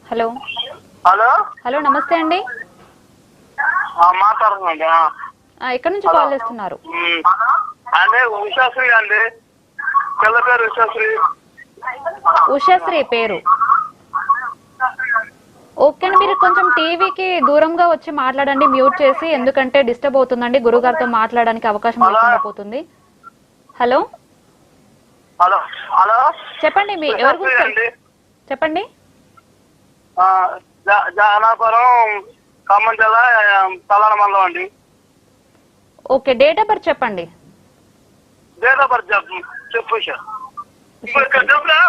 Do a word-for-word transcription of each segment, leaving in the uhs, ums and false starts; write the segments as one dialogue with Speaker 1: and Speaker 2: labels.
Speaker 1: Hello
Speaker 2: hello
Speaker 1: hello నమస్తే అండి.
Speaker 2: మాట్లాడుతుందండి.
Speaker 1: ఎక్కడి నుంచి కాల్ చేస్తున్నారు?
Speaker 2: అంటే ఉషాశ్రీ అండి, పిల్ల పేరు ఉషాశ్రీ.
Speaker 1: ఉషాశ్రీ పేరు ఓకే అండి. మీరు కొంచెం టీవీకి దూరంగా వచ్చి మాట్లాడండి, మ్యూట్ చేసి, ఎందుకంటే డిస్టర్బ్ అవుతుందండి. గురుగారితో మాట్లాడడానికి అవకాశం లేకుండా పోతుంది. హలో
Speaker 2: హలో హలో
Speaker 1: చెప్పండి, మీ ఎవరి గురించి చెప్పండి.
Speaker 2: జానాపురం, ఖమ్మం జిల్లా, తలాన మండలం అండి.
Speaker 1: ఓకే, డేట్ ఆఫ్ బర్త్ చెప్పండి.
Speaker 2: డేట్ ఆఫ్ బర్త్ చెప్పు చెప్పు చెప్పురా.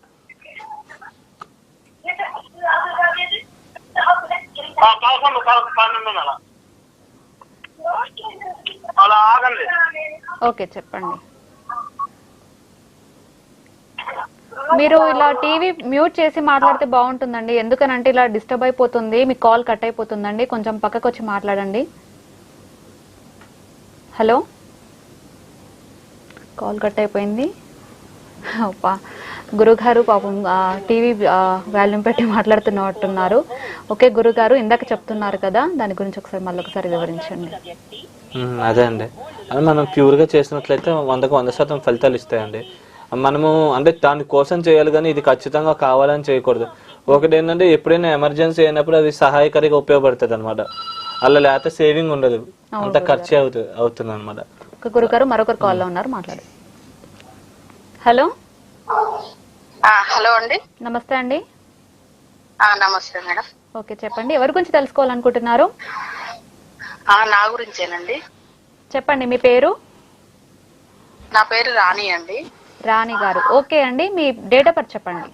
Speaker 2: పదకొండు పన్నెండు నెల అలా ఆగండి.
Speaker 1: ఓకే చెప్పండి. మీరు ఇలా టీవీ మ్యూట్ చేసి మాట్లాడితే బాగుంటుందండి, ఎందుకనంటే ఇలా డిస్టర్బ్ అయిపోతుంది, మీ కాల్ కట్ అయిపోతుందండి. కొంచెం పక్కకు వచ్చి మాట్లాడండి. హలో, కాల్ కట్ అయిపోయింది. గురుగారు పాపం టీవీ వాల్యూమ్ పెట్టి మాట్లాడుతున్నట్టున్నారు. ఓకే గురుగారు, ఇందాక చెప్తున్నారు కదా, దాని గురించి ఒకసారి మళ్ళీ ఒకసారి వివరించండి.
Speaker 3: అదే అండి, అది మనం ప్యూర్గా చేసినట్లయితే వందకు వంద శాతం ఫలితాలు ఇస్తాయండి. మనము అంటే దాని కోసం చేయాలి, కానీ ఇది ఖచ్చితంగా కావాలని చేయకూడదు. ఒకటి ఏంటంటే, ఎప్పుడైనా ఎమర్జెన్సీ అయినప్పుడు అది సహాయకారిగా ఉపయోగపడుతుంది అనమాట. అలా లేకపోతే సేవింగ్ ఉండదు, అంత ఖర్చు అవుతుంది అవుతుంది అనమాట.
Speaker 1: గురుగారు మరొకరు కాల్లో ఉన్నారు, మాట్లాడు. హలో
Speaker 4: హలో అండి,
Speaker 1: నమస్తే అండి.
Speaker 4: నమస్తే మేడం.
Speaker 1: ఓకే చెప్పండి, ఎవరి గురించి తెలుసుకోవాలనుకుంటున్నారు?
Speaker 4: నా గురించేనండి.
Speaker 1: చెప్పండి, మీ పేరు?
Speaker 4: నా పేరు రాణి అండి.
Speaker 1: రాణి గారు, ఓకే అండి. మీ డేట్ ఆఫ్ బర్త్ చెప్పండి.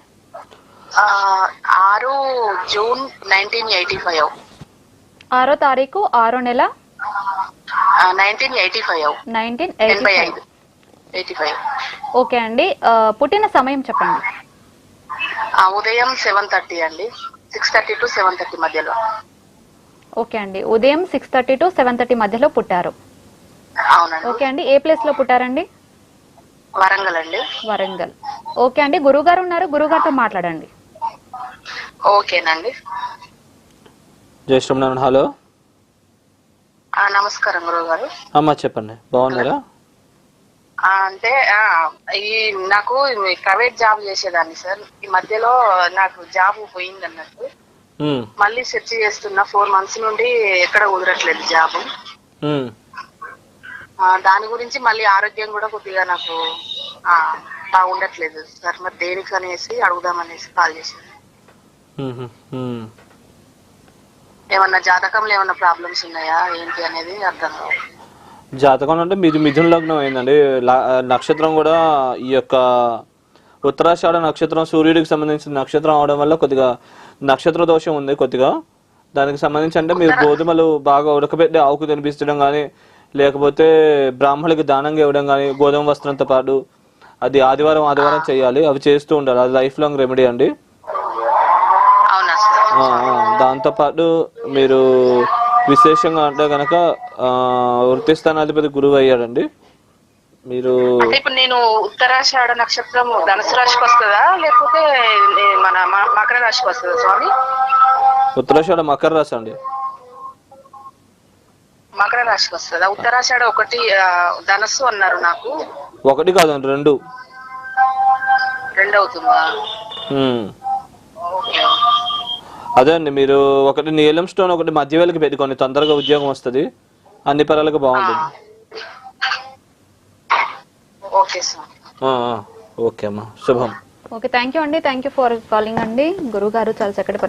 Speaker 4: ఆరు జూన్ నైన్టీన్ ఎయిటీ ఫైవ్.
Speaker 1: ఆరో తారీఖు ఆరో నెల
Speaker 4: నైన్టీన్ ఎయిటీ ఫైవ్.
Speaker 1: నైన్టీన్
Speaker 4: ఎనభై ఐదు ఎయిటీ ఫైవ్.
Speaker 1: ఓకే అండి. పుట్టిన సమయం చెప్పండి.
Speaker 4: ఉదయం సెవెన్ థర్టీ అండి, six thirty to seven thirty మధ్యలో.
Speaker 1: ఓకే అండి, ఉదయం six thirty to seven thirty మధ్యలో పుట్టారు.
Speaker 4: అవునండి.
Speaker 1: ఓకే అండి, ఏ ప్లేస్ లో పుట్టారండి?
Speaker 4: వరంగల్ అండి.
Speaker 1: వరంగల్. ఓకే అండి, గురుగారు ఉన్నారు, గురుగారితో మాట్లాడండి.
Speaker 4: ఓకేనండి.
Speaker 3: జై శ్రీమన్నారాయణ. హలో,
Speaker 4: నమస్కారం గురువు గారు.
Speaker 3: అమ్మా చెప్పండి, బాగున్నారా?
Speaker 4: అంటే ఈ నాకు ప్రైవేట్ జాబ్ చేసేదాన్ని సార్. ఈ మధ్యలో నాకు జాబ్ పోయింది అన్నట్టు, మళ్ళీ సెర్చ్ చేస్తున్నా. ఫోర్ మంత్స్ నుండి ఎక్కడ కుదరట్లేదు జాబ్. దాని గురించి మళ్ళీ ఆరోగ్యం కూడా కొద్దిగా నాకు బాగుండట్లేదు సార్. మరి దేనికి అనేసి అడుగుదామనేసి కాల్ చేశాను. ఏమన్నా జాతకంలో ఏమన్నా ప్రాబ్లమ్స్ ఉన్నాయా ఏంటి అనేది అర్థం కాదు.
Speaker 3: జాతకం అంటే మీది మిథున లగ్నం అయిందండి. నక్షత్రం కూడా ఈ యొక్క ఉత్తరాషాఢ నక్షత్రం సూర్యుడికి సంబంధించిన నక్షత్రం అవడం వల్ల కొద్దిగా నక్షత్ర దోషం ఉంది కొద్దిగా. దానికి సంబంధించి అంటే మీరు గోధుమలు బాగా ఉడకబెట్టి ఆవుకు తినిపించడం కానీ, లేకపోతే బ్రాహ్మణులకి దానంగా ఇవ్వడం కానీ, గోధుమ వస్త్రంతో పాటు అది ఆదివారం ఆదివారం చేయాలి. అవి చేస్తూ ఉండాలి, అది లైఫ్ లాంగ్ రెమెడీ అండి. దాంతోపాటు మీరు విశేషంగా అంటే కనుక వృత్తి స్థానాధిపతి గురువు అయ్యాడండి. మీరు
Speaker 4: ఇప్పుడు నేను ఉత్తరాషాఢ నక్షత్రం ధనుసు రాశికి వస్తుందా లేకపోతే మన మకర రాశికి వస్తుందా స్వామి?
Speaker 3: ఉత్తరాషాఢ మకర రాశి అండి.
Speaker 4: మకర రాశికి వస్తుందా? ఉత్తరాషాఢ ఒకటి ధనస్సు అన్నారు నాకు.
Speaker 3: ఒకటి కాదండి, రెండు.
Speaker 4: రెండు అవుతుందా?
Speaker 3: అదే అండి, మీరు ఒకటి నీలం స్టోన్ ఒకటి మధ్య వేలకి పెట్టుకోండి, తొందరగా ఉద్యోగం వస్తుంది, అన్ని పరాలకు బాగుంటుంది. ఓకే అమ్మా, శుభం.
Speaker 1: ఓకే, థ్యాంక్ యూ అండి. థ్యాంక్ యూ ఫర్ కాలింగ్ అండి. గురువు గారు చాలా చక్కటి